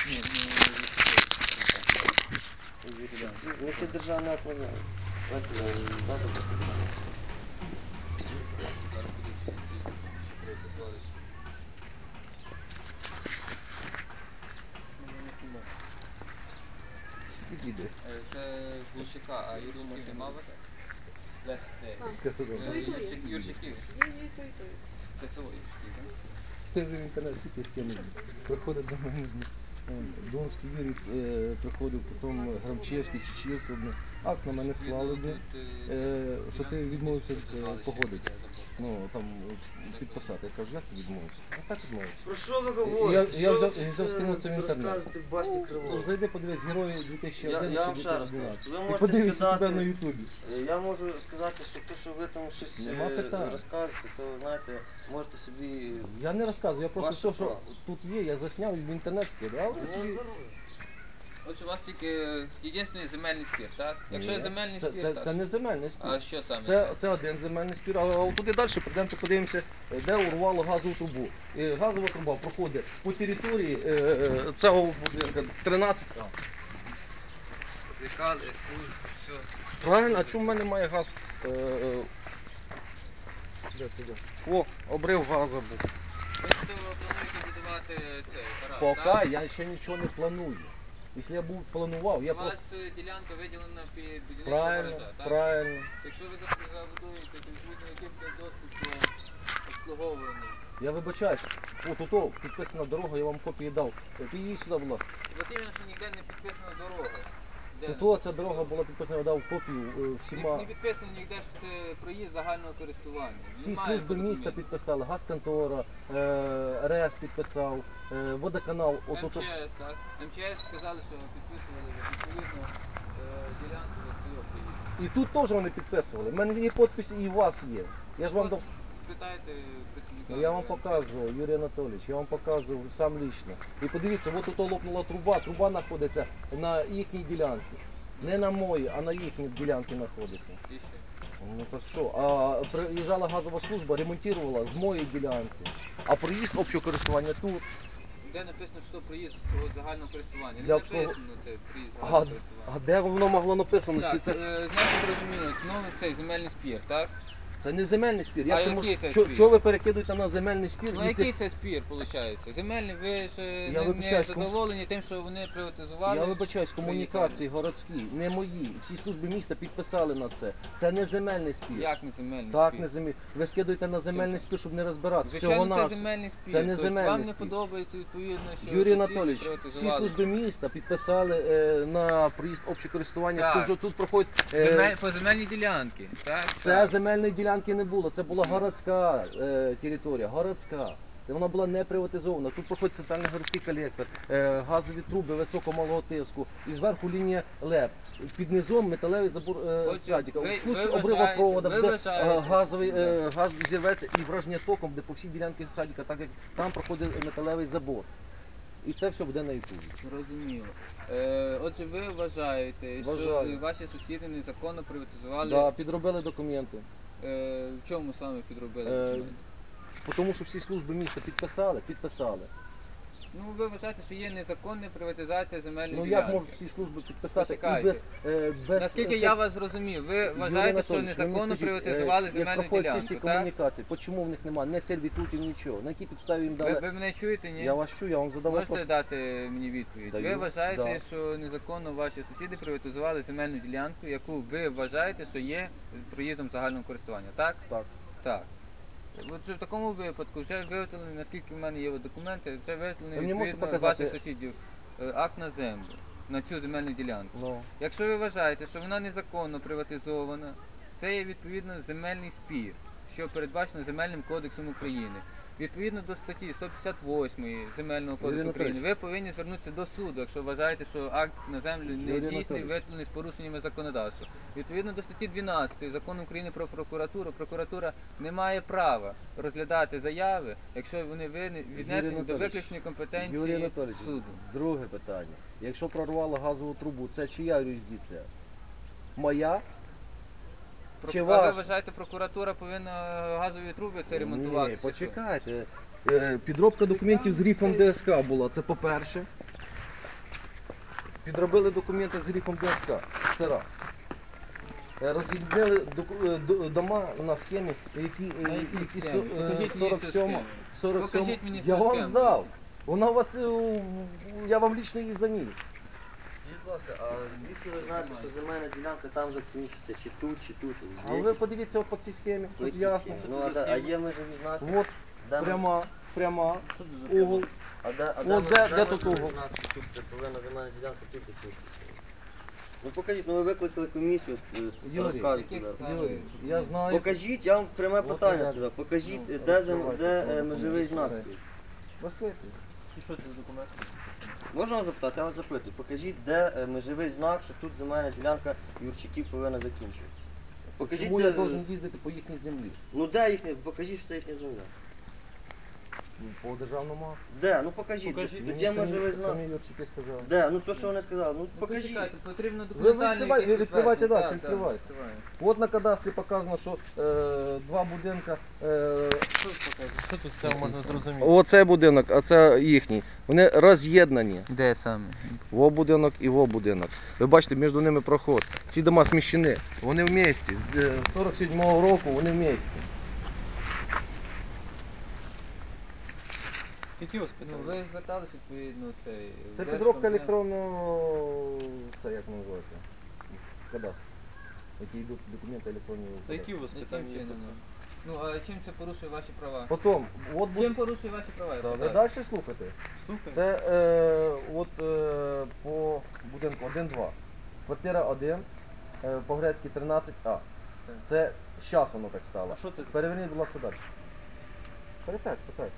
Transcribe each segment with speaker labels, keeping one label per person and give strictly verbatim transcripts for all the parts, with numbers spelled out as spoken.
Speaker 1: Ні,
Speaker 2: Ну, це державна акваза.
Speaker 1: Це Глушака, а Юрчиків нема вас? Юрчиків. Це цього Юрчиків, так?
Speaker 3: Ти вже в інтернет стільки скинув. Приходить до мене. Донський Юрій е, приходив, потім Грамчевський, Чечівка. Акт на мене склали би, е, що ти відмовився е, погодити. Ну, там підписати. Я кажу, як ти відмовився? А так відмовився.
Speaker 2: Про що ви говорите?
Speaker 3: Я, я взяв, я взяв скинув це в інтернет.
Speaker 2: Розказуєте басні кривого.
Speaker 3: Зайди, подивись, герої дві тисячі
Speaker 2: Я,
Speaker 3: один
Speaker 2: я вам ще раз кажу, ви
Speaker 3: І
Speaker 2: можете
Speaker 3: подивись себе на
Speaker 2: сказати,
Speaker 3: ютубі.
Speaker 2: я можу сказати, що те, що ви там щось
Speaker 3: Нема
Speaker 2: е,
Speaker 3: питань.
Speaker 2: розказуєте, то знаєте, можете собі...
Speaker 3: Я не розказую, я просто
Speaker 2: Ваше
Speaker 3: все, що
Speaker 2: право.
Speaker 3: тут є, я засняв і в інтернет скидав.
Speaker 2: Ну, здоров'я.
Speaker 1: Отже, у вас тільки єдиний земельний спір, так? Якщо є земельний
Speaker 3: це,
Speaker 1: спір,
Speaker 3: це,
Speaker 1: так.
Speaker 3: це не земельний спір.
Speaker 1: А що саме?
Speaker 3: Це, це один земельний спір, а туди далі прийдемо подивимося, де урвало газову трубу. І газова труба проходить по території е, е, цього будинку тринадцять. А.
Speaker 1: Приказ, все.
Speaker 3: Правильно, а чому в мене має газ? Е, е, де це де? О, обрив газу був.
Speaker 1: Ви плануєте будувати цей гараж,
Speaker 3: Поки
Speaker 1: так?
Speaker 3: я ще нічого не планую. Якщо я був планував, я
Speaker 1: У вас
Speaker 3: просто...
Speaker 1: е, ділянка виділена під будівництво
Speaker 3: Правильно,
Speaker 1: гаража, так?
Speaker 3: правильно.
Speaker 1: Якщо ви забудуєте, то відповідно який буде доступ до обслуговування.
Speaker 3: Я вибачаюсь, от ото підписана дорога, я вам копії дав. Ти її сюди, будь ласка.
Speaker 1: От іменно, що ніде не підписана дорога. Де
Speaker 3: Ото ця дорога була підписана, я дав копію е,
Speaker 1: не,
Speaker 3: всіма.
Speaker 1: не підписано ніде, що це проїзд загального користування.
Speaker 3: Всі
Speaker 1: Немає
Speaker 3: служби
Speaker 1: такого
Speaker 3: міста
Speaker 1: документу.
Speaker 3: підписали, газконтора, е, РЕС підписав, е, водоканал. От, ото.
Speaker 1: МЧС, так? МЧС сказали, що підписували відповідно е, ділянку за свого проїзду.
Speaker 3: І тут теж вони підписували. У мене є підписи і у вас є. Я ж вам дав.
Speaker 1: Спитайте представника.
Speaker 3: Ну, я вам показував, Юрій Анатолійович, я вам показував сам лично. І подивіться, от ото лопнула труба, труба знаходиться на їхній ділянці. Не на моїй, а на їхній ділянці знаходиться.
Speaker 1: І що?
Speaker 3: Ну так що, а приїжджала газова служба, ремонтувала з моєї ділянки, а проїзд общого користування тут.
Speaker 1: Де написано, що проїзд цього загального користування? Не
Speaker 3: Для
Speaker 1: написано це проїзд
Speaker 3: А,
Speaker 1: загального користування.
Speaker 3: а де воно могло написано?
Speaker 1: Так,
Speaker 3: Що це,
Speaker 1: е, значить, зрозуміло, ну цей земельний спір, так?
Speaker 3: це не земельний спір.
Speaker 1: А
Speaker 3: Як це
Speaker 1: який
Speaker 3: мож-
Speaker 1: це
Speaker 3: Чо-
Speaker 1: спір?
Speaker 3: Чого ви перекидуєте на земельний спір?
Speaker 1: Ну
Speaker 3: якщо-
Speaker 1: який це спір, виходить? Земельний, ви ж е,
Speaker 3: Я
Speaker 1: не, не
Speaker 3: вибачаюсь, кому-
Speaker 1: задоволені тим, що вони приватизували?
Speaker 3: Я вибачаюсь, комунікації городські, не мої. Всі служби міста підписали на це. Це не земельний спір.
Speaker 1: Як не земельний
Speaker 3: Так,
Speaker 1: спір?
Speaker 3: не земель. Ви скидуєте на земельний спір, щоб не розбиратися.
Speaker 1: Звичайно,
Speaker 3: Всього
Speaker 1: це
Speaker 3: нас.
Speaker 1: земельний спір.
Speaker 3: Це не
Speaker 1: Тобто
Speaker 3: земельний
Speaker 1: вам не
Speaker 3: спір.
Speaker 1: подобається відповідно, що
Speaker 3: Юрій
Speaker 1: сусіди
Speaker 3: Анатолійович, всі
Speaker 1: приватизували.
Speaker 3: служби міста підписали е, на проїзд общого користування.
Speaker 1: Так.
Speaker 3: Тут, же тут проходить. е,
Speaker 1: Земель, по земельній ділянці, так?
Speaker 3: Це
Speaker 1: Так.
Speaker 3: земельної ділянки не було, це була городська е, територія, городська. Де вона була не приватизована. Тут проходить центральний городський колектор, е, газові труби високомалого тиску, і зверху лінія ЛЕП. Під низом металевий забор е,
Speaker 1: Отже,
Speaker 3: садика.
Speaker 1: ви-
Speaker 3: У случаї
Speaker 1: ви
Speaker 3: обрива
Speaker 1: вважаєте-
Speaker 3: провода,
Speaker 1: ви
Speaker 3: де
Speaker 1: вважаєте-
Speaker 3: е, газовий е, газ зірветься і враження током, де по всій ділянці садика, так як там проходить металевий забор. І це все буде на ютубі.
Speaker 1: Зрозуміло. Е, отже, ви вважаєте,
Speaker 3: Вважаю.
Speaker 1: що ваші сусіди незаконно приватизували.
Speaker 3: Да, підробили документи.
Speaker 1: Е, в чому саме підробили
Speaker 3: Е,
Speaker 1: документи?
Speaker 3: Тому що всі служби міста підписали, підписали.
Speaker 1: Ну, ви вважаєте, що є незаконна приватизація земельної
Speaker 3: Ну
Speaker 1: ділянки?
Speaker 3: як можуть всі служби підписати і
Speaker 1: Почекайте.
Speaker 3: без, е, без
Speaker 1: Наскільки
Speaker 3: е,
Speaker 1: я вас зрозумів, ви
Speaker 3: Юрій
Speaker 1: вважаєте, що
Speaker 3: Анатолійович, ви мені
Speaker 1: незаконно
Speaker 3: скажіть,
Speaker 1: приватизували
Speaker 3: е,
Speaker 1: земельну
Speaker 3: як проходять ці всі
Speaker 1: ділянку, так?
Speaker 3: комунікації, чому в них немає не сервітутів, нічого? На якій підставі їм
Speaker 1: Ви,
Speaker 3: дали?
Speaker 1: ви мене чуєте, ні?
Speaker 3: Я вас чую, я вам задав
Speaker 1: Можете
Speaker 3: вопрос.
Speaker 1: дати мені відповідь?
Speaker 3: Даю,
Speaker 1: Ви вважаєте,
Speaker 3: да.
Speaker 1: що незаконно ваші сусіди приватизували земельну ділянку, яку ви вважаєте, що є проїздом загального користування, так?
Speaker 3: Так.
Speaker 1: Так. Отже, в такому випадку вже виготовлені, наскільки в мене є от документи, вже виготовлені
Speaker 3: Ви мені можете
Speaker 1: відповідно
Speaker 3: показати?
Speaker 1: ваших сусідів е, акт на землю, на цю земельну ділянку.
Speaker 3: Ну,
Speaker 1: Якщо ви вважаєте, що вона незаконно приватизована, це є відповідно земельний спір, що передбачено Земельним кодексом України. Відповідно до статті сто п'ятдесят восьмої Земельного кодексу
Speaker 3: Юрій
Speaker 1: України,
Speaker 3: Анатолійович.
Speaker 1: ви повинні звернутися до суду, якщо вважаєте, що акт на землю не
Speaker 3: Юрій
Speaker 1: дійсний,
Speaker 3: Анатолійович.
Speaker 1: виготовлений з порушеннями законодавства. Відповідно до статті дванадцятої Закону України про прокуратуру, прокуратура не має права розглядати заяви, якщо вони вини- віднесені до
Speaker 3: Анатолійович.
Speaker 1: виключної компетенції
Speaker 3: Юрій Анатолійович,
Speaker 1: суду.
Speaker 3: друге питання. Якщо прорвало газову трубу, це чия юрисдикція? Моя? Чи
Speaker 1: Прокура- А ви
Speaker 3: ваша?
Speaker 1: вважаєте, прокуратура повинна е, газові труби це ремонтувати?
Speaker 3: Ні,
Speaker 1: чи що?
Speaker 3: почекайте. Е, Підробка документів з грифом ДСК була, це по-перше. підробили документи з грифом ДСК. Це раз. Е, Роз'єднили доку- е, до- дома на схемі, які, е,
Speaker 1: На якій
Speaker 3: які
Speaker 1: схемі?
Speaker 3: со- е,
Speaker 1: Покажіть мені цю
Speaker 3: сорок сьома.
Speaker 1: схему.
Speaker 3: сорок сьома.
Speaker 1: Покажіть мені
Speaker 3: Я
Speaker 1: цю
Speaker 3: вам
Speaker 1: схему.
Speaker 3: здав. Вона у вас, е, у- я вам лічно її заніс.
Speaker 2: Скажіть, будь ласка, а звідки ви знаєте, що земельна ділянка там закінчиться, чи тут, чи тут?
Speaker 3: А
Speaker 2: Є
Speaker 3: ви
Speaker 2: якісь-
Speaker 3: подивіться от по цій схемі,
Speaker 2: по
Speaker 3: тут
Speaker 2: якій
Speaker 3: ясно.
Speaker 2: схемі? Ну, а, де- а є межові знаки?
Speaker 3: От
Speaker 2: Де ми-
Speaker 3: пряма, пряма, угол.
Speaker 2: А де, а
Speaker 3: От
Speaker 2: де, ми-
Speaker 3: де- де
Speaker 2: ми
Speaker 3: тут
Speaker 2: можемо
Speaker 3: угол?
Speaker 2: знати, що тут де повинна земельна ділянка, тут закінчиться? Ну покажіть, ну ви викликали комісію, е,
Speaker 3: Юрій,
Speaker 2: розказуйте.
Speaker 1: яких
Speaker 2: зараз.
Speaker 1: саме?
Speaker 3: Юрій, я знаю.
Speaker 2: Покажіть, я вам пряме
Speaker 3: От
Speaker 2: питання
Speaker 3: я-
Speaker 2: сказав. Покажіть,
Speaker 3: Ну,
Speaker 2: е, де, зем-
Speaker 3: розкривайте
Speaker 2: де
Speaker 3: цього
Speaker 2: е, межовий знак
Speaker 3: документу.
Speaker 2: стоїть.
Speaker 3: Розкрийте.
Speaker 2: І що це за документ? Можна вас запитати? Я вас запитую. Покажіть, де е, межовий знак, що тут земельна ділянка Юрчиків повинна закінчувати. Покажіть,
Speaker 3: Чому
Speaker 2: це,
Speaker 3: я
Speaker 2: е,
Speaker 3: должен їздити по їхній землі?
Speaker 2: ну де їхня, покажіть, що це їхня земля.
Speaker 3: Ну, по державному акту.
Speaker 2: Де? Ну покажіть,
Speaker 4: Покажіть.
Speaker 2: де,
Speaker 3: Мені
Speaker 2: де межовий
Speaker 3: самі,
Speaker 2: знак.
Speaker 3: самі Юрчики сказали.
Speaker 2: Де? Ну то, що вони сказали. Ну
Speaker 1: Ну,
Speaker 2: покажіть.
Speaker 1: почекайте, потрібно
Speaker 3: Ви
Speaker 1: документально.
Speaker 3: відкривайте,
Speaker 1: якесь
Speaker 3: ви відкривайте
Speaker 1: підтвердження.
Speaker 3: далі,
Speaker 1: Так, так,
Speaker 3: відкривайте.
Speaker 1: відкриваю.
Speaker 3: От на кадастрі показано, що е, два будинка. Е,
Speaker 4: Що тут показує? Що тут з цього можна зрозуміти?
Speaker 3: оцей будинок, а це їхній. Вони роз'єднані.
Speaker 1: Де саме?
Speaker 3: Во будинок і во будинок. Ви бачите, між ними проход. Ці дома зміщені. Вони в місті. З е, сорок сьомого року вони в місті.
Speaker 4: Які у вас
Speaker 1: Ну,
Speaker 4: питання?
Speaker 1: ви звертались відповідно цей.
Speaker 3: Це
Speaker 1: в
Speaker 3: підробка
Speaker 1: Держкомзем.
Speaker 3: електронного. Це як воно називається? Кадастр. Які йдуть документи електронні. в
Speaker 4: Та які
Speaker 3: кадастр.
Speaker 4: у вас
Speaker 1: Яким
Speaker 4: питання? є по
Speaker 1: чином?
Speaker 4: цьому?
Speaker 1: Ну, а чим це порушує ваші права?
Speaker 3: Потім, от
Speaker 1: Чим
Speaker 3: буде.
Speaker 1: порушує ваші права? я
Speaker 3: Да, ви
Speaker 1: питаю?
Speaker 3: далі слухайте.
Speaker 4: Слухай.
Speaker 3: Це е, от е, по будинку один-два. Квартира один, е, по-грецьки тринадцять А. Це зараз воно так стало.
Speaker 4: А що це?
Speaker 3: Переверніть, будь ласка, далі. Перепять, питай.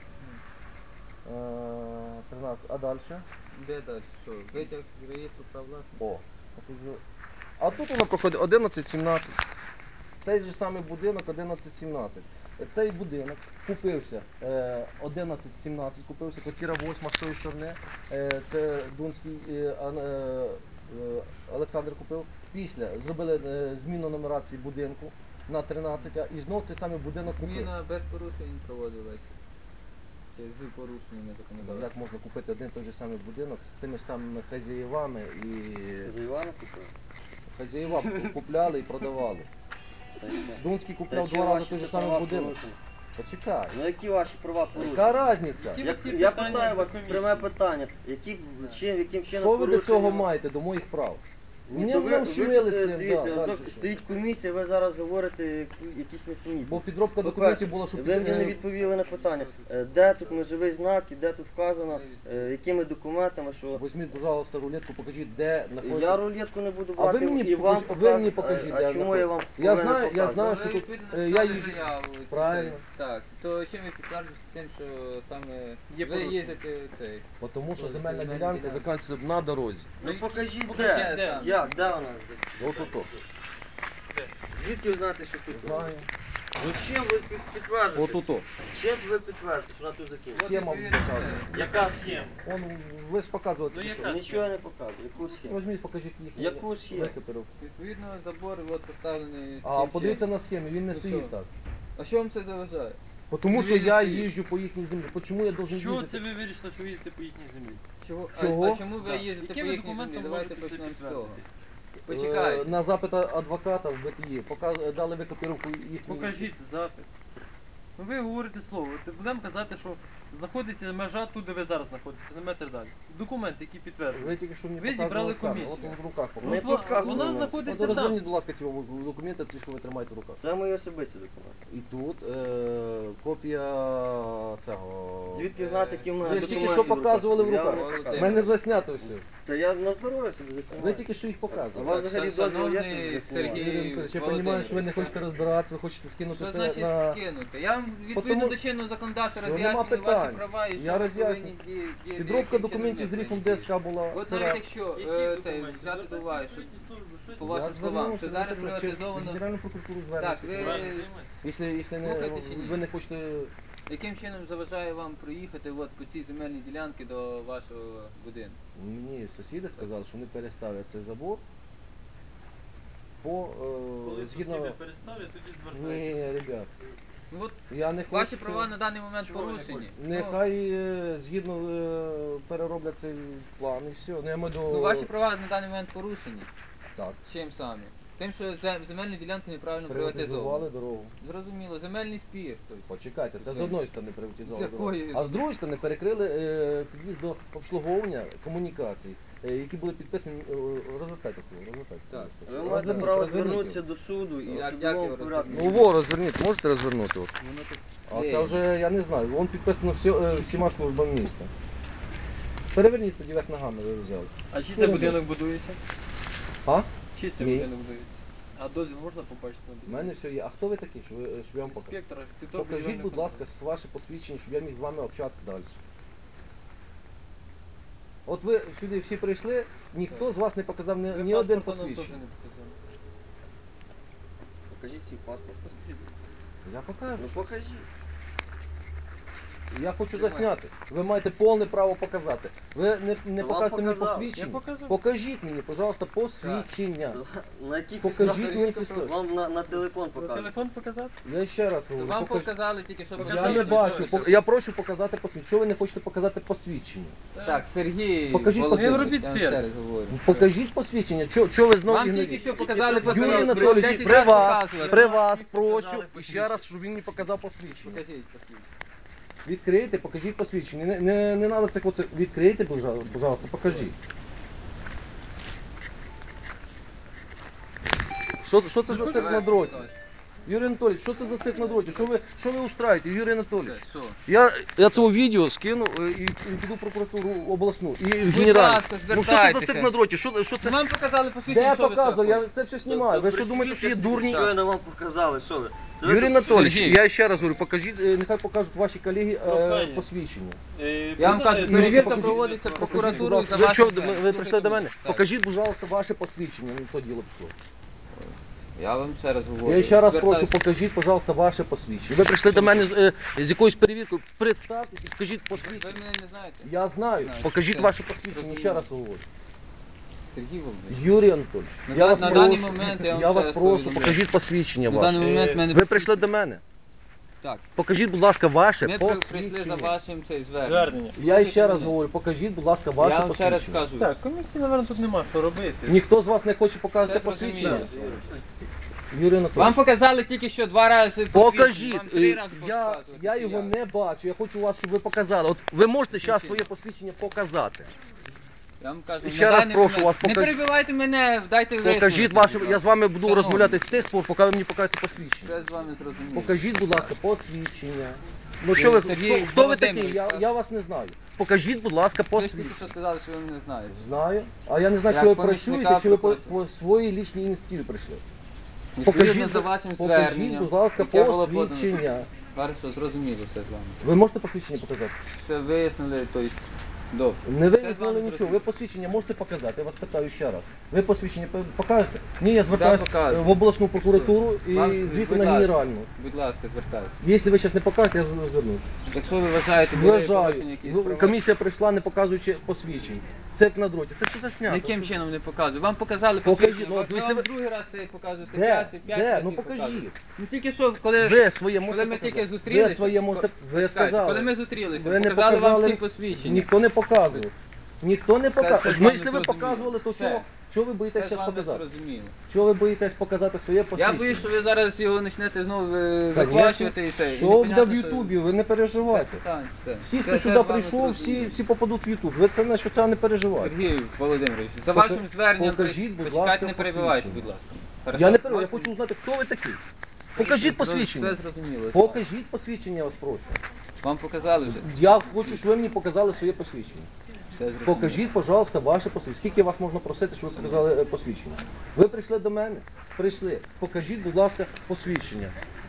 Speaker 3: Е, тринадцять. А далі?
Speaker 1: Де далі? Що? Витяг з реєстру прав власності?
Speaker 3: О. а тут же- А тут воно проходить одинадцять сімнадцять. Цей же самий будинок одинадцять сімнадцять. Цей будинок купився е, одинадцять сімнадцять, купився, квартира восьма з тої сторони. Е, це Дунський е, Ан- е, е, Олександр купив. Після зробили е, зміну нумерації будинку на тринадцять, а і знов цей самий будинок купив.
Speaker 1: Зміна без порушень проводилась. Чи з порушеннями
Speaker 3: Ну,
Speaker 1: законодавства?
Speaker 3: Як можна купити один той же самий будинок з тими ж самими хазяївами і
Speaker 2: За Івана купив?
Speaker 3: хазяїва купляли і продавали.
Speaker 2: Та й що?
Speaker 3: Дунський
Speaker 2: Та
Speaker 3: купляв
Speaker 2: які
Speaker 3: два рази
Speaker 2: ваші
Speaker 3: той же
Speaker 2: права
Speaker 3: самий будинок.
Speaker 2: порушені?
Speaker 3: Почекай.
Speaker 2: Ну які ваші права порушені?
Speaker 3: Яка різниця?
Speaker 4: Які
Speaker 2: Я,
Speaker 4: всі
Speaker 2: я
Speaker 4: питання
Speaker 2: питаю вас
Speaker 4: до комісії?
Speaker 2: пряме питання. Які, чим, яким чином
Speaker 3: Що ви до цього
Speaker 2: порушені?
Speaker 3: маєте, до моїх прав?
Speaker 2: Ну,
Speaker 3: Мені
Speaker 2: то ви,
Speaker 3: нам
Speaker 2: ви,
Speaker 3: щемили
Speaker 2: е,
Speaker 3: цим,
Speaker 2: дивіться,
Speaker 3: да,
Speaker 2: ось
Speaker 3: далі
Speaker 2: до-
Speaker 3: що?
Speaker 2: стоїть комісія, ви зараз говорите яку- якісь несенітниці.
Speaker 3: Бо підробка
Speaker 2: По-перше,
Speaker 3: документів була, що
Speaker 2: ви мені не
Speaker 3: під-
Speaker 2: відповіли на питання, е, де тут межовий знак і де тут вказано, е, якими документами, що
Speaker 3: Візьміть, пожалуйста, рулетку, покажіть, де
Speaker 2: я
Speaker 3: знаходиться.
Speaker 2: рулетку не буду
Speaker 3: А ви
Speaker 2: брати
Speaker 3: мені
Speaker 2: і вам
Speaker 3: покажіть- ви мені
Speaker 2: показувати.
Speaker 3: покажіть,
Speaker 2: А,
Speaker 3: де
Speaker 2: а чому я вам
Speaker 3: Я
Speaker 2: повинен
Speaker 3: знаю- я
Speaker 2: показувати?
Speaker 3: знаю,
Speaker 1: Ви
Speaker 3: що тут,
Speaker 1: відповідно
Speaker 3: е, я
Speaker 1: написали
Speaker 3: їжджу.
Speaker 1: заяву,
Speaker 3: Правильно.
Speaker 1: цей. Так, то чим ви підтверджуєте тим, що саме
Speaker 4: Є
Speaker 1: ви
Speaker 4: порушення.
Speaker 1: їздите цей?
Speaker 3: Бо Тому що
Speaker 1: Ось
Speaker 3: земельна
Speaker 1: земельна
Speaker 3: ділянка
Speaker 1: ділянка.
Speaker 3: закінчується на дорозі.
Speaker 2: Ну покажіть
Speaker 4: Покажіть,
Speaker 2: де.
Speaker 4: де.
Speaker 2: Як, де вона?
Speaker 3: От тут.
Speaker 2: Звідки ви знаєте, що тут?
Speaker 3: Знаю.
Speaker 2: Ну чим ви під- підтверджуєте?
Speaker 3: От тут.
Speaker 2: Чим ви підтверджуєте, що вона тут закінчиться?
Speaker 3: Схема
Speaker 1: відповідно,
Speaker 3: показує.
Speaker 2: Яка схема?
Speaker 3: Он, ви ж показувати.
Speaker 4: Ну,
Speaker 3: що?
Speaker 4: яка?
Speaker 2: Нічого я не показую. Яку схему?
Speaker 3: Візьміть, покажіть їх.
Speaker 2: Яку схему?
Speaker 3: Викопірував.
Speaker 1: Відповідно, забор от поставлений.
Speaker 3: А
Speaker 1: тим
Speaker 3: подивіться
Speaker 1: чином.
Speaker 3: на схемі, він не
Speaker 1: Ну,
Speaker 3: стоїть
Speaker 1: що?
Speaker 3: так.
Speaker 1: А що вам це заважає?
Speaker 3: Бо Тому що
Speaker 1: Він не
Speaker 3: я
Speaker 1: стоїть.
Speaker 3: їжджу по їхній землі. Чому я должен
Speaker 4: Чого
Speaker 3: їздити?
Speaker 4: це ви вирішили, що ви їздите по їхній землі?
Speaker 1: Чого?
Speaker 3: Чого?
Speaker 1: А, а чому ви
Speaker 4: Так.
Speaker 1: їздите по
Speaker 4: Якими
Speaker 1: їхній землі?
Speaker 4: документами
Speaker 1: Давайте
Speaker 4: можете це
Speaker 1: почнемо з цього.
Speaker 4: підтвердити?
Speaker 1: Почекайте.
Speaker 3: Е, На запит адвоката в Б Т І показ- дали викопіровку їхньої.
Speaker 4: Покажіть запит. Ну ви говорите слово. От будемо казати, що знаходиться межа тут, де ви зараз знаходитеся, на метр далі. Документи, які підтверджують.
Speaker 3: Ви тільки що мені
Speaker 4: Ви
Speaker 3: показували
Speaker 4: зібрали
Speaker 3: самі.
Speaker 4: комісію.
Speaker 3: От в руках
Speaker 4: Ну,
Speaker 2: Не
Speaker 3: показували.
Speaker 4: от
Speaker 2: показуй
Speaker 4: вона
Speaker 2: нам.
Speaker 3: От
Speaker 4: знаходиться там.
Speaker 3: розверніть, будь ласка, ці документи, ті, що ви тримаєте в руках.
Speaker 2: Це мої особисті документи.
Speaker 3: І тут е, копія цього.
Speaker 2: Звідки знаєте, які в мене
Speaker 3: Ви ж тільки
Speaker 2: документи
Speaker 3: що показували в
Speaker 2: Я
Speaker 3: руках.
Speaker 2: вам не
Speaker 3: У
Speaker 2: показую.
Speaker 3: мене заснято все.
Speaker 2: Та я на здоров'я собі
Speaker 3: Ви
Speaker 2: заснімаю.
Speaker 3: тільки що їх
Speaker 2: А
Speaker 3: показували.
Speaker 2: вас
Speaker 1: Так,
Speaker 2: взагалі
Speaker 1: шан-
Speaker 2: дозвіл є,
Speaker 1: шановний
Speaker 2: щоб заснімати?
Speaker 1: Сергій
Speaker 3: Юрій Миколаївич, я розумію,
Speaker 1: Володимирович,
Speaker 3: що ви не хочете розбиратися, ви хочете скинути
Speaker 1: Що
Speaker 3: це
Speaker 1: значить
Speaker 3: на...
Speaker 1: скинути? Я вам відповідно
Speaker 3: Потому-
Speaker 1: до чинного законодавства
Speaker 3: Все, нема
Speaker 1: роз'яснюю ваші
Speaker 3: питань.
Speaker 1: права і
Speaker 3: Я
Speaker 1: що ви
Speaker 3: роз'ясню.
Speaker 1: повинні ді- діяти.
Speaker 3: Підробка
Speaker 1: яким
Speaker 3: документів з
Speaker 1: чином
Speaker 3: грифом
Speaker 1: ви
Speaker 3: Д С К була.
Speaker 1: От
Speaker 3: Це
Speaker 1: навіть
Speaker 3: раз.
Speaker 1: якщо
Speaker 4: Які
Speaker 1: е,
Speaker 4: документи?
Speaker 1: цей, взяти до уваги, що по
Speaker 3: Я
Speaker 1: вашим словам,
Speaker 3: звернувся
Speaker 1: що
Speaker 3: до
Speaker 1: зараз
Speaker 3: прокуратури,
Speaker 1: приватизовано.
Speaker 3: в Генеральну прокуратуру
Speaker 1: Так,
Speaker 3: звернувся.
Speaker 1: ви
Speaker 3: Якщо, якщо не,
Speaker 1: Слухайте чи ні?
Speaker 3: ви не хочете...
Speaker 1: яким чином заважає вам проїхати от по цій земельній ділянці до вашого будинку?
Speaker 3: Мені сусіди сказали, що вони переставлять цей забор по...
Speaker 4: Коли
Speaker 3: Е, згідно...
Speaker 4: сусіди переставлять, тоді
Speaker 3: Ні,
Speaker 4: звертайтеся.
Speaker 3: ребят,
Speaker 1: Ну от
Speaker 3: я не хочу...
Speaker 1: ваші права на даний момент
Speaker 4: Чого ви не
Speaker 1: порушені.
Speaker 4: хочете?
Speaker 1: Ну,
Speaker 3: Нехай е, згідно е, перероблять цей план і все. Ну, я маю до...
Speaker 1: Ну, ваші права на даний момент порушені.
Speaker 3: Так.
Speaker 1: Чим саме? Тим, що зем- земельну ділянку неправильно
Speaker 3: Приватизували
Speaker 1: приватизовано.
Speaker 3: дорогу.
Speaker 1: Зрозуміло, земельний спір. Тобто.
Speaker 3: Почекайте, це з одної сторони приватизували
Speaker 1: З
Speaker 3: дорогу.
Speaker 1: якої?
Speaker 3: А з другої сторони перекрили е, під'їзд до обслуговування комунікацій, е, які були підписані. е, Розвертайте цього, розвертайте цього.
Speaker 1: Так.
Speaker 2: Ви
Speaker 3: Розверніть,
Speaker 2: маєте право
Speaker 3: розверніть
Speaker 2: звернутися
Speaker 3: його.
Speaker 2: до суду і
Speaker 1: Як-
Speaker 2: в
Speaker 1: як
Speaker 2: судовому
Speaker 1: його
Speaker 2: порядку.
Speaker 3: Ну во, розверніть, можете розвернути? От.
Speaker 1: Воно тут
Speaker 3: А це
Speaker 1: клеєно.
Speaker 3: вже, я не знаю, воно підписано всі, е, всіма службами міста. Переверніть тоді верх ногами, ви взяли.
Speaker 4: А чи це будинок будується?
Speaker 3: А?
Speaker 4: Чи це
Speaker 3: Ні.
Speaker 4: будинок будується? А дозвіл можна побачити на
Speaker 3: У
Speaker 4: будинок?
Speaker 3: мене все є. А хто ви такі, що ви, щоб я вам покажу?
Speaker 4: Інспектор, архітектор,
Speaker 3: Покажіть,
Speaker 4: будівельний
Speaker 3: будь
Speaker 4: контроль.
Speaker 3: ласка, ваше посвідчення, щоб я міг з вами общатися далі. От ви сюди всі прийшли, ніхто з вас не показав ні,
Speaker 4: Ви
Speaker 3: ні один
Speaker 4: паспорта нам теж
Speaker 3: посвідчення.
Speaker 4: не показали.
Speaker 2: Покажіть свій паспорт.
Speaker 3: Я покажу.
Speaker 2: Ну покажіть.
Speaker 3: Я хочу засняти. Ви маєте повне право показати. Ви не, не
Speaker 2: То вам
Speaker 3: покажете мені
Speaker 2: показав.
Speaker 3: посвідчення.
Speaker 4: Я показав.
Speaker 3: Покажіть мені, пожалуйста, посвідчення.
Speaker 2: На якій
Speaker 3: Покажіть
Speaker 2: підставі?
Speaker 3: мені підстави.
Speaker 2: Вам на, на телефон
Speaker 4: Про
Speaker 2: покажуть.
Speaker 4: телефон показати?
Speaker 3: Я ще раз
Speaker 1: То
Speaker 3: говорю.
Speaker 1: вам
Speaker 3: покажіть.
Speaker 1: показали тільки що
Speaker 3: Я
Speaker 4: Показали,
Speaker 3: не
Speaker 4: що
Speaker 3: бачу.
Speaker 4: все.
Speaker 3: Пок- Я прошу показати посвідчення. Чого ви не хочете показати посвідчення?
Speaker 1: Так, Сергій
Speaker 3: Покажіть
Speaker 1: Володимирович,
Speaker 4: посвідчення.
Speaker 1: я вам ще раз говорю.
Speaker 3: Покажіть посвідчення. Чого, чого ви знову
Speaker 1: Вам тільки
Speaker 3: ігноруєте?
Speaker 1: що показали
Speaker 2: Юрій
Speaker 3: Юрій
Speaker 1: посвідчення.
Speaker 3: Анатолійович,
Speaker 1: Десять
Speaker 3: при
Speaker 1: раз
Speaker 3: вас,
Speaker 1: показували.
Speaker 3: при вас прошу
Speaker 2: Показали
Speaker 3: і ще раз, щоб він мені показав посвідчення.
Speaker 1: Покажіть посвідчення.
Speaker 3: Відкрийте, покажіть посвідчення. Не, не, не треба це оце. Відкрийте, пожалуйста, пожалуйста, покажіть. Що, що це за цирк на дроті? Юрій Анатолійович, що це за цирк на дроті? Що ви, що ви устраєте, Юрій Анатолійович?
Speaker 1: Це що?
Speaker 3: Я, я це відео скину е, і, і піду в прокуратуру обласну. І в
Speaker 1: Будь
Speaker 3: генеральну.
Speaker 1: ласка,
Speaker 3: Ну що це за
Speaker 1: звертайтеся.
Speaker 3: цирк на дроті? Що, що це?
Speaker 1: Вам показали
Speaker 3: Де
Speaker 1: посвідчення,
Speaker 3: я
Speaker 1: що ви
Speaker 3: показував? Я
Speaker 1: хочете?
Speaker 3: це все знімаю. Ви що думаєте, що є дурні?
Speaker 2: Щойно вам показали, що ви? Це ви
Speaker 3: Юрій
Speaker 2: тут-
Speaker 3: Анатолійович,
Speaker 1: Сергій.
Speaker 3: я ще раз говорю, покажіть, е, нехай покажуть ваші колеги е,
Speaker 4: Прохання.
Speaker 3: посвідчення.
Speaker 4: Е,
Speaker 1: Я вам
Speaker 4: показати-
Speaker 1: кажу,
Speaker 3: Ну,
Speaker 1: перевірка
Speaker 3: покажіть,
Speaker 1: проводиться
Speaker 3: Покажіть, будь
Speaker 1: прокуратурою
Speaker 3: ласка.
Speaker 1: за
Speaker 3: Ви що,
Speaker 1: вашим.
Speaker 3: ви, ви прийшли до мене?
Speaker 1: Так.
Speaker 3: Покажіть, будь ласка, ваше посвідчення. Ну, то діло пішло.
Speaker 1: Я вам ще раз говорю.
Speaker 3: Я ще раз прошу,
Speaker 1: Звертаюся.
Speaker 3: покажіть, пожалуйста, ваше посвідчення. Ви прийшли до мене з, е, з якоюсь перевіркою. Представтеся, покажіть
Speaker 1: Ви
Speaker 3: посвідчення.
Speaker 1: мене не знаєте?
Speaker 3: Я знаю.
Speaker 1: Знаю.
Speaker 3: Покажіть
Speaker 1: Все.
Speaker 3: ваше посвідчення, ще раз говорю.
Speaker 1: Сергій Володимирович.
Speaker 3: Юрій Анатольович,
Speaker 1: На
Speaker 3: я
Speaker 1: да-
Speaker 3: вас
Speaker 1: на
Speaker 3: прошу,
Speaker 1: даний момент я вам
Speaker 3: я
Speaker 1: ще
Speaker 3: вас
Speaker 1: раз
Speaker 3: прошу,
Speaker 1: повідомляю.
Speaker 3: покажіть посвідчення
Speaker 1: На даний
Speaker 3: ваше.
Speaker 1: момент мене
Speaker 3: Ви прийшли до мене.
Speaker 1: Так.
Speaker 3: Покажіть, будь ласка, ваше
Speaker 1: Ми при- прийшли за
Speaker 3: посвідчення.
Speaker 1: вашим цей зверненням.
Speaker 4: Звернення.
Speaker 3: Я ще раз говорю, покажіть, будь ласка, ваше
Speaker 1: Я вам ще раз
Speaker 3: посвідчення.
Speaker 1: кажу.
Speaker 4: Так, комісії, напевно, тут нема що робити.
Speaker 3: Ніхто з вас не хоче показати
Speaker 1: Все зрозуміло.
Speaker 3: посвідчення? Юрій
Speaker 1: Вам
Speaker 3: Анатолійович,
Speaker 1: показали тільки що два рази посвідчення.
Speaker 3: покажіть.
Speaker 1: Вам три
Speaker 3: Е,
Speaker 1: рази
Speaker 3: Я,
Speaker 1: показувати,
Speaker 3: я
Speaker 1: чи
Speaker 3: його
Speaker 1: як?
Speaker 3: не бачу, я хочу вас, щоб ви показали. От ви можете зараз своє посвідчення показати.
Speaker 1: Я вам кажу,
Speaker 3: І
Speaker 1: на
Speaker 3: ще раз
Speaker 1: даний
Speaker 3: прошу
Speaker 1: момент-
Speaker 3: вас,
Speaker 1: Не
Speaker 3: покажіть.
Speaker 1: перебивайте мене, дайте
Speaker 3: Покажіть
Speaker 1: висновок,
Speaker 3: ваше,
Speaker 1: будь
Speaker 3: я з вами буду
Speaker 1: Шановні.
Speaker 3: розмовляти з тих пор, поки ви мені покажете посвідчення.
Speaker 1: Все з вами зрозуміло.
Speaker 3: Покажіть, будь ласка, посвідчення. Ну що ви,
Speaker 1: Сергій
Speaker 3: хто, хто ви такий?
Speaker 1: Володимирович,
Speaker 3: Я,
Speaker 1: так?
Speaker 3: я вас не знаю. Покажіть, будь ласка,
Speaker 1: Ви ж тільки
Speaker 3: посвідчення.
Speaker 1: що сказали, що ви мене знаєте.
Speaker 3: Знаю. А я не знаю,
Speaker 1: Як
Speaker 3: чи ви
Speaker 1: помічника
Speaker 3: працюєте, чи ви по,
Speaker 1: прокуратури.
Speaker 3: по своїй лічній ініціативі прийшли.
Speaker 1: Відповідно
Speaker 3: Покажіть,
Speaker 1: за вашим
Speaker 3: покажіть,
Speaker 1: зверненням,
Speaker 3: будь ласка,
Speaker 1: яке було подано.
Speaker 3: посвідчення.
Speaker 1: Хорошо, зрозуміло все з вами.
Speaker 3: Ви можете посвідчення показати?
Speaker 1: Все вияснили, тобто, добре.
Speaker 3: Не
Speaker 1: Все з
Speaker 3: вияснили
Speaker 1: вами
Speaker 3: нічого.
Speaker 1: зрозуміло.
Speaker 3: Ви посвідчення можете показати? Я вас питаю ще раз. Ви посвідчення по- покажете? Ні, я звертаюся
Speaker 1: покажу.
Speaker 3: в обласну прокуратуру і
Speaker 1: Вам-
Speaker 3: звідти
Speaker 1: будь
Speaker 3: на
Speaker 1: ласка.
Speaker 3: генеральну.
Speaker 1: Будь ласка, звертайтеся.
Speaker 3: Якщо ви зараз не покажете, я звернусь.
Speaker 1: Якщо ви вважаєте, були порушені
Speaker 3: Вважаю.
Speaker 1: якісь
Speaker 3: Ви-
Speaker 1: права,
Speaker 3: Комісія прийшла, не показуючи посвідчень. Цирк на дроті. Це все заснято.
Speaker 1: яким
Speaker 3: Це-
Speaker 1: чином не показую? Вам показали
Speaker 3: Покажіть,
Speaker 1: посвідчення,
Speaker 3: ну,
Speaker 1: ви
Speaker 3: от якщо
Speaker 1: вам
Speaker 3: ви-
Speaker 1: другий раз це показуєте,
Speaker 3: Де?
Speaker 1: п'ятий, п'ять
Speaker 3: Де?
Speaker 1: разів
Speaker 3: Ну покажіть.
Speaker 1: показуєте. Ну тільки що, коли,
Speaker 3: Ви своє
Speaker 1: коли
Speaker 3: можете
Speaker 1: ми тільки
Speaker 3: показати.
Speaker 1: зустрілися,
Speaker 3: Ви своє можете, ви
Speaker 1: Чекайте,
Speaker 3: сказали.
Speaker 1: коли ми зустрілися,
Speaker 3: Ви не
Speaker 1: показали вам
Speaker 3: показали,
Speaker 1: всі посвідчення.
Speaker 3: Ніхто не показував. Ніхто не
Speaker 1: це
Speaker 3: показував.
Speaker 1: з
Speaker 3: Ну,
Speaker 1: вами
Speaker 3: якщо ви
Speaker 1: зрозуміло.
Speaker 3: показували, то
Speaker 1: Все.
Speaker 3: чого, чого ви
Speaker 1: Це
Speaker 3: боїтесь
Speaker 1: з
Speaker 3: зараз
Speaker 1: вами
Speaker 3: показати?
Speaker 1: зрозуміло.
Speaker 3: Чого ви боїтесь показати своє
Speaker 1: Я
Speaker 3: посвідчення?
Speaker 1: боюсь, що ви зараз його почнете знову е,
Speaker 3: Конечно.
Speaker 1: виквачувати і це. і
Speaker 3: Що буде
Speaker 1: непонятно,
Speaker 3: в
Speaker 1: що-
Speaker 3: Ютубі, ви не
Speaker 1: Без
Speaker 3: переживайте.
Speaker 1: питань, все.
Speaker 3: Всі,
Speaker 1: Це-
Speaker 3: хто
Speaker 1: це
Speaker 3: сюди
Speaker 1: з вами
Speaker 3: прийшов, всі,
Speaker 1: зрозуміло.
Speaker 3: всі попадуть в Ютуб. Ви це на що це не переживайте.
Speaker 1: Сергій Володимирович, за
Speaker 3: Пока-
Speaker 1: вашим зверненням
Speaker 3: покажіть, будь
Speaker 1: почекайте,
Speaker 3: ласка,
Speaker 1: не перебивайте,
Speaker 3: посвідчення.
Speaker 1: будь ласка.
Speaker 3: Я
Speaker 1: Хорошо?
Speaker 3: не переживаю, я
Speaker 1: Можете?
Speaker 3: хочу узнати, хто ви такий. Покажіть посвідчення.
Speaker 1: Все зрозуміло.
Speaker 3: Покажіть посвідчення, я вас прошу.
Speaker 1: Вам показали вже?
Speaker 3: Я хочу, щоб ви мені показали своє посвідчення.
Speaker 1: Все зрозуміло.
Speaker 3: Покажіть, пожалуйста, ваше посвідчення. Скільки вас можна просити, щоб ви показали е, посвідчення? Ви прийшли до мене? Прийшли. Покажіть, будь ласка, посвідчення.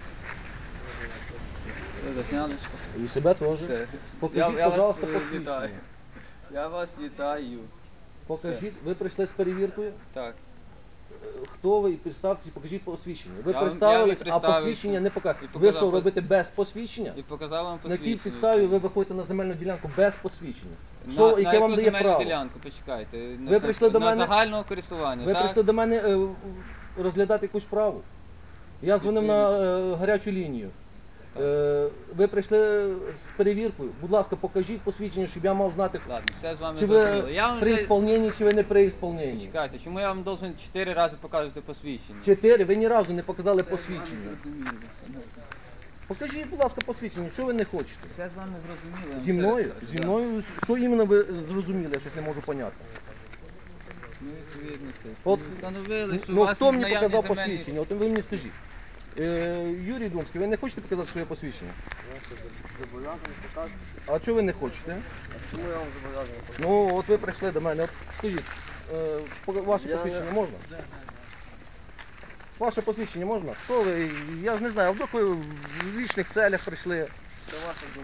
Speaker 1: Ви засняли?
Speaker 3: І себе теж.
Speaker 1: Все.
Speaker 3: Покажіть,
Speaker 1: Я- я вас,
Speaker 3: пожалуйста,
Speaker 1: е,
Speaker 3: посвідчення.
Speaker 1: вітаю. Я вас вітаю.
Speaker 3: Покажіть, ви прийшли з перевіркою.
Speaker 1: Так.
Speaker 3: Е, Хто ви і представтеся, покажіть посвідчення. Ви
Speaker 1: Я вам-
Speaker 3: представились,
Speaker 1: я
Speaker 3: а
Speaker 1: вам представився.
Speaker 3: посвідчення не покажете.
Speaker 1: І
Speaker 3: Ви
Speaker 1: показав
Speaker 3: що,
Speaker 1: пос-
Speaker 3: робите без посвідчення?
Speaker 1: І показав вам
Speaker 3: На
Speaker 1: посвідчення.
Speaker 3: якій підставі ви виходите на земельну ділянку без посвідчення?
Speaker 1: На-
Speaker 3: Що,
Speaker 1: на
Speaker 3: яке
Speaker 1: яку
Speaker 3: вам дає
Speaker 1: земельну
Speaker 3: право?
Speaker 1: ділянку, почекайте. На,
Speaker 3: Ви прийшли до
Speaker 1: на
Speaker 3: мене-
Speaker 1: загального користування,
Speaker 3: Ви
Speaker 1: так?
Speaker 3: прийшли до мене е, в- розглядати якусь справу. Я дзвонив на е, гарячу лінію. Е, ви прийшли з перевіркою. Будь ласка, покажіть посвідчення, щоб я мав знати,
Speaker 1: Ладно, все з вами
Speaker 3: чи
Speaker 1: зрозуміло.
Speaker 3: ви
Speaker 1: Я вам
Speaker 3: при
Speaker 1: вже...
Speaker 3: ісполненні, чи ви не при ісполненні.
Speaker 1: Чекайте, чому я вам должен чотири рази показувати посвідчення?
Speaker 3: Чотири, ви ні разу не показали
Speaker 1: Все з вами
Speaker 3: посвідчення.
Speaker 1: зрозуміло.
Speaker 3: Покажіть, будь ласка, посвідчення, що ви не хочете.
Speaker 1: Все з вами зрозуміло. я вам
Speaker 3: Зі
Speaker 1: ще
Speaker 3: мною?
Speaker 1: раз кажу,
Speaker 3: Зі
Speaker 1: да.
Speaker 3: мною? Що іменно ви зрозуміли, я щось не можу поняти.
Speaker 1: Ну, відповідно, це.
Speaker 3: От,
Speaker 1: Ми встановили, що у
Speaker 3: Ну
Speaker 1: вас
Speaker 3: хто мені
Speaker 1: наявні
Speaker 3: показав
Speaker 1: земельні-
Speaker 3: посвідчення? От ви мені скажіть. Е, Юрій Думський, ви не хочете показати своє посвідчення?
Speaker 2: Зобов'язаний показувати.
Speaker 3: А чого ви не хочете?
Speaker 2: А чому я вам зобов'язаний показувати?
Speaker 3: Ну, от ви прийшли до мене. От скажіть, е, пок- ваше
Speaker 2: Я
Speaker 3: посвідчення
Speaker 2: не-
Speaker 3: можна? Ваше посвідчення можна? Хто ви? Я ж не знаю, а вдруг ви в вічних целях прийшли.
Speaker 2: Це ваша думка.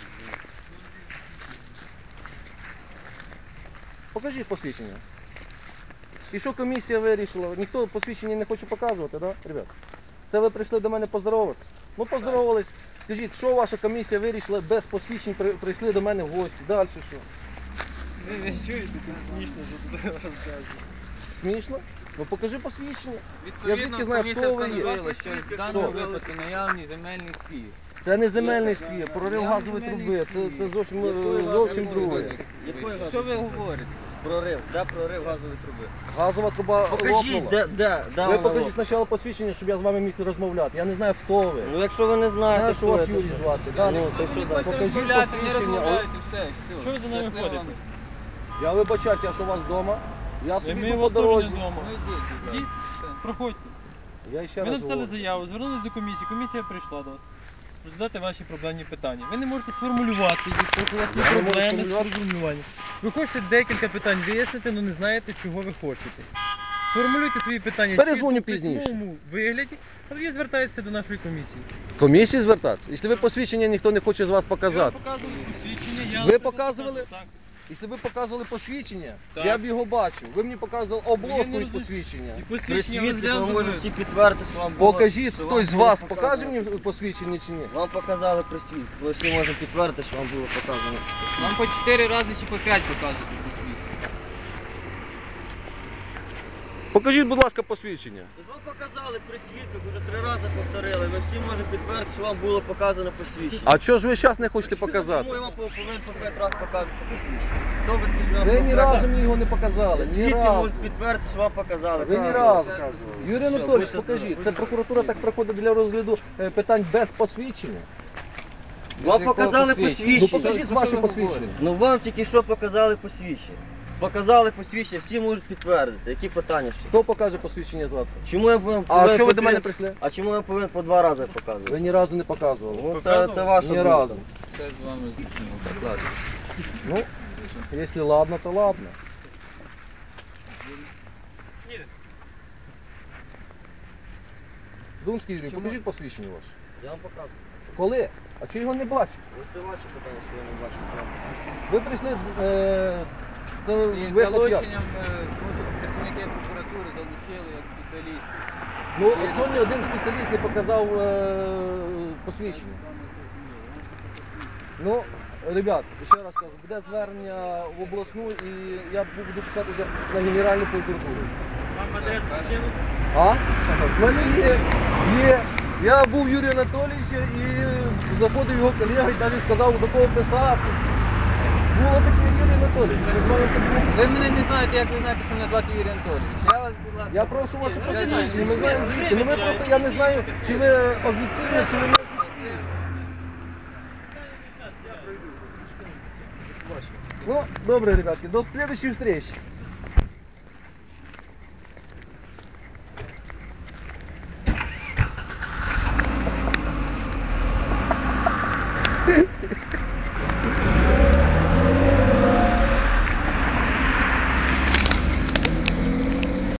Speaker 3: Покажіть посвідчення. І що комісія вирішила? Ніхто посвідчення не хоче показувати, так, да, ребят? Це ви прийшли до мене поздороватися? Ну, поздоровались. Скажіть, що ваша комісія вирішила без посвідчень, при- прийшли до мене в гості? Далі що?
Speaker 4: Ви не чуєте, тут смішно, що туди розказуєте.
Speaker 3: Смішно? Ну покажи посвідчення. Я звідки
Speaker 1: Відповідно,
Speaker 3: знаю,
Speaker 1: комісія
Speaker 3: хто ви є?
Speaker 1: встановила, що в даному
Speaker 3: Що?
Speaker 1: випадку наявний земельний спір.
Speaker 3: Це не земельний спір, прорив
Speaker 1: Я
Speaker 3: газової
Speaker 1: земельний
Speaker 3: труби. Це,
Speaker 1: спір.
Speaker 3: це зовсім,
Speaker 2: Якої
Speaker 3: зовсім
Speaker 2: газової
Speaker 3: друге.
Speaker 2: труби? Якої
Speaker 1: Що ви говорите?
Speaker 2: Прорив. Де прорив газової труби?
Speaker 3: Газова труба
Speaker 2: Покажіть,
Speaker 3: лопнула.
Speaker 2: де, де, де
Speaker 3: Ви
Speaker 2: вона
Speaker 3: покажіть
Speaker 2: лопнула?
Speaker 3: спочатку посвідчення, щоб я з вами міг розмовляти. Я не знаю, хто ви.
Speaker 2: Ну якщо ви не знаєте,
Speaker 3: Знаю, що
Speaker 2: хто
Speaker 3: вас
Speaker 2: це,
Speaker 3: Юрій
Speaker 2: що?
Speaker 3: звати. Далі.
Speaker 2: Ну, то що
Speaker 1: Ви
Speaker 2: далі?
Speaker 1: хочете
Speaker 3: Покажіть
Speaker 1: розмовляти, не
Speaker 3: посвідчення.
Speaker 1: розмовляйте, все, все.
Speaker 4: Що ви за нами
Speaker 1: Щасливо
Speaker 4: ходите?
Speaker 1: вам.
Speaker 3: Я вибачаюсь, я що у вас вдома. Я
Speaker 4: І
Speaker 3: собі
Speaker 4: ми
Speaker 3: йду по
Speaker 4: вас теж
Speaker 3: дорозі.
Speaker 4: не вдома.
Speaker 1: Ну йдіть, будь ласка.
Speaker 4: Йдіть.
Speaker 1: Все.
Speaker 4: Проходьте.
Speaker 3: Я ще
Speaker 4: Ви
Speaker 3: раз
Speaker 4: написали
Speaker 3: говорю.
Speaker 4: заяву, звернулись до комісії, комісія прийшла до вас. Розглядати ваші проблемні питання. Ви не можете сформулювати їх, тому у вас є
Speaker 3: Я не можу
Speaker 4: проблеми з
Speaker 3: сформулювати.
Speaker 4: формулюванням. Ви хочете декілька питань вияснити, але не знаєте, чого ви хочете. Сформулюйте свої питання
Speaker 3: Перезвоню
Speaker 4: чітко, в
Speaker 3: пізніше.
Speaker 4: письмовому вигляді, а тоді звертаєтеся до нашої комісії.
Speaker 3: Комісії звертатися? Якщо ви посвідчення ніхто не хоче з вас показати.
Speaker 4: Я вам показував посвідчення, я
Speaker 3: Ви
Speaker 4: вам
Speaker 3: показували?
Speaker 4: показав, так.
Speaker 3: Якщо ви показували посвідчення,
Speaker 4: Так.
Speaker 3: я б його бачив. Ви мені показували
Speaker 4: Я
Speaker 3: обложку
Speaker 4: не
Speaker 3: від
Speaker 4: розумію.
Speaker 3: посвідчення.
Speaker 4: І
Speaker 2: При
Speaker 4: посвідчення
Speaker 2: свідках
Speaker 4: розглянули.
Speaker 2: ми можемо всі підтвердити, що вам було...
Speaker 3: Покажіть,
Speaker 2: що вам
Speaker 3: хтось з
Speaker 2: було
Speaker 3: вас
Speaker 2: показано.
Speaker 3: покаже мені посвідчення чи ні?
Speaker 2: Вам показали при свідку. Ви всі можемо підтвердити, що вам було показано.
Speaker 1: Вам по чотири рази чи по п'ять показувати посвідчення.
Speaker 3: Покажіть, будь ласка, посвідчення.
Speaker 2: Ж вам показали при свідках, вже три рази повторили. Ви всі можете підтвердити, що вам було показано посвідчення.
Speaker 3: А чого ж ви зараз не хочете показати?
Speaker 2: Чому я вам повинен по п'ять разів показувати посвідчення? Довідки, що вам
Speaker 3: Ви ні
Speaker 2: показали.
Speaker 3: разу мені його не показали. Ні
Speaker 2: Свідки
Speaker 3: разу.
Speaker 2: можуть підтвердити, що вам показали.
Speaker 3: Ви ні
Speaker 2: Правильно.
Speaker 3: разу. Юрій
Speaker 2: Все,
Speaker 3: Анатолійович,
Speaker 2: будьте
Speaker 3: покажіть.
Speaker 2: здорові.
Speaker 3: Це прокуратура так приходить для розгляду е, питань без посвідчення.
Speaker 2: Вам
Speaker 1: З якого
Speaker 2: показали
Speaker 1: посвідчення?
Speaker 3: Ну
Speaker 2: посвідчення.
Speaker 3: покажіть
Speaker 1: Що-
Speaker 3: ваше
Speaker 1: що ви
Speaker 3: посвідчення.
Speaker 1: говорите?
Speaker 2: Ну вам тільки що показали посвідчення. Показали посвідчення, всі можуть підтвердити. Які питання ще?
Speaker 3: Хто покаже посвідчення з вас?
Speaker 2: Чому я повинен
Speaker 3: А
Speaker 2: повинен
Speaker 3: що ви
Speaker 2: по
Speaker 3: до мене
Speaker 2: три-
Speaker 3: прийшли?
Speaker 2: А чому я повинен по два рази
Speaker 3: Ви
Speaker 2: показувати?
Speaker 3: ні разу не показували.
Speaker 2: Ну, це,
Speaker 4: Показував?
Speaker 2: це ваша
Speaker 3: Ні
Speaker 2: думка.
Speaker 3: разу.
Speaker 1: Все з вами зрозуміло. Так, ладно.
Speaker 3: Ну, якщо ладно, то ладно. Думський Юрій,
Speaker 1: Чому?
Speaker 3: покажіть посвідчення ваше.
Speaker 2: Я вам показую.
Speaker 3: Коли? А чи його не бачу?
Speaker 2: Ну, це ваші питання, що я не бачу. Я вам покажу.
Speaker 3: Ви прийшли, е, це
Speaker 1: І з
Speaker 3: виклик як?
Speaker 1: залученням е, може, представники прокуратури залучили як спеціалістів.
Speaker 3: Ну, а чому ні один спеціаліст не показав е, посвідчення? Ну, ребят, ще раз кажу, буде звернення в обласну і я буду писати вже на Генеральну прокуратуру.
Speaker 4: Вам адресу скинути?
Speaker 3: А? В мене є. Є. Я був Юрія Анатолійовича і заходив його колега і навіть сказав, до кого писати. Було таке Юрій Анатолійович. Ми з вами подивимося.
Speaker 1: Ви мене не знаєте, як ви знаєте, що мене звати Юрій Анатолійович. Я вас, будь ласка.
Speaker 3: Я прошу ваше
Speaker 1: Я
Speaker 3: посвідчення.
Speaker 1: знаю.
Speaker 3: Ми знаємо звідки. Ну ми просто я не знаю, чи ви офіційно, чи ви не офіційно. Ну, добре, ребятки, до следующей встречи.